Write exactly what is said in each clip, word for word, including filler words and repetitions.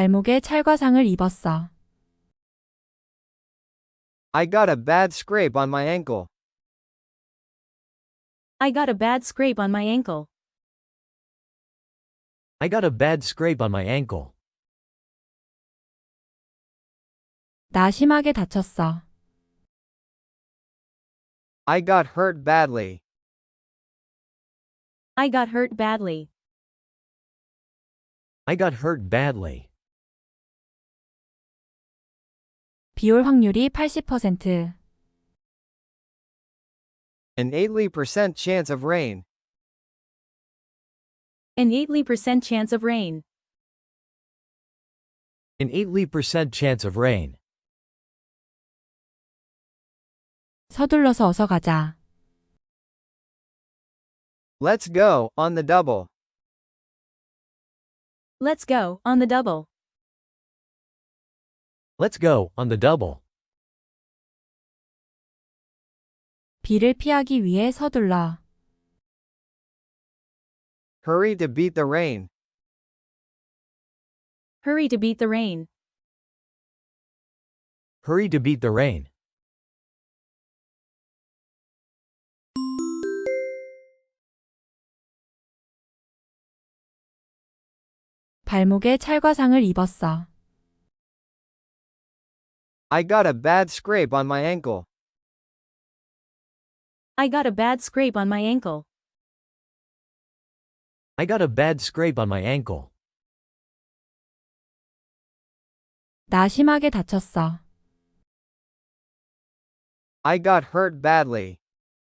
발목에 찰과상을 입었어. I got a bad scrape on my ankle. I got a bad scrape on my ankle. I got a bad scrape on my ankle. 나 심하게 다쳤어. I got hurt badly. I got hurt badly. I got hurt badly. 비올 확률이 팔십 퍼센트. An eighty percent chance of rain. An eighty percent chance of rain. An eighty percent chance of rain. 서둘러서 어서 가자. Let's go, on the double. Let's go, on the double. Let's go, on the double. 비를 피하기 위해 서둘러. Hurry to beat the rain. Hurry to beat the rain. Hurry to beat the rain. 발목에 찰과상을 입었어. I got a bad scrape on my ankle. I got a bad scrape on my ankle. I got a bad scrape on my ankle. 나 심하게 다쳤어. I got hurt badly.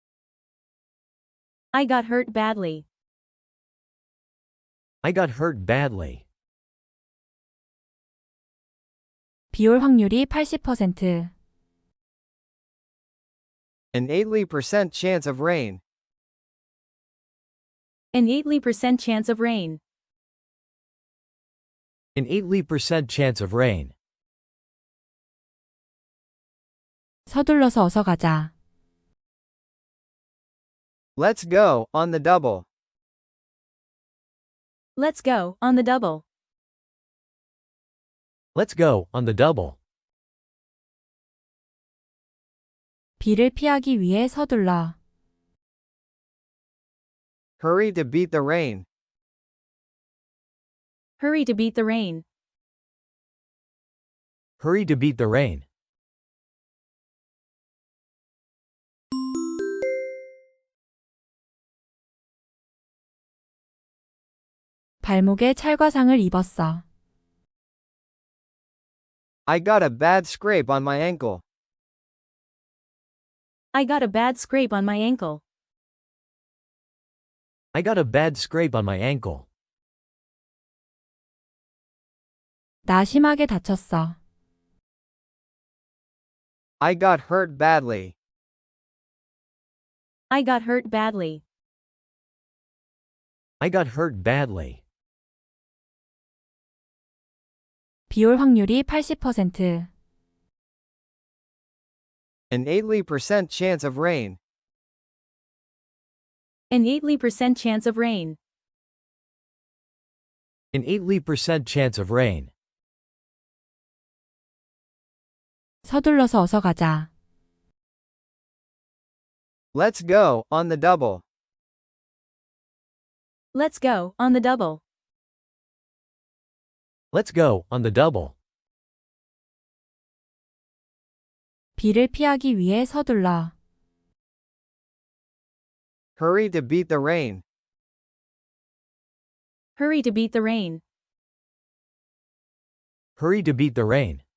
I got hurt badly. I got hurt badly. 비올 확률이 팔십 퍼센트. An eighty percent chance of rain. An eighty percent chance of rain. An eighty percent chance of rain. 서둘러서 어서 가자. Let's go, on the double. Let's go, on the double. Let's go, on the double. 비를 피하기 위해 서둘러. Hurry to beat the rain. Hurry to beat the rain. Hurry to beat the rain. 발목에 찰과상을 입었어. I got a bad scrape on my ankle. I got a bad scrape on my ankle. I got a bad scrape on my ankle. 나 심하게 다쳤어. I got hurt badly. I got hurt badly. I got hurt badly. 비올 확률이 팔십 퍼센트. An eighty percent chance of rain. An eighty percent chance of rain. An eighty percent chance of rain. 서둘러서 어서 가자. Let's go, on the double. Let's go, on the double. Let's go, on the double. 비를 피하기 위해 서둘러. Hurry to beat the rain. Hurry to beat the rain. Hurry to beat the rain.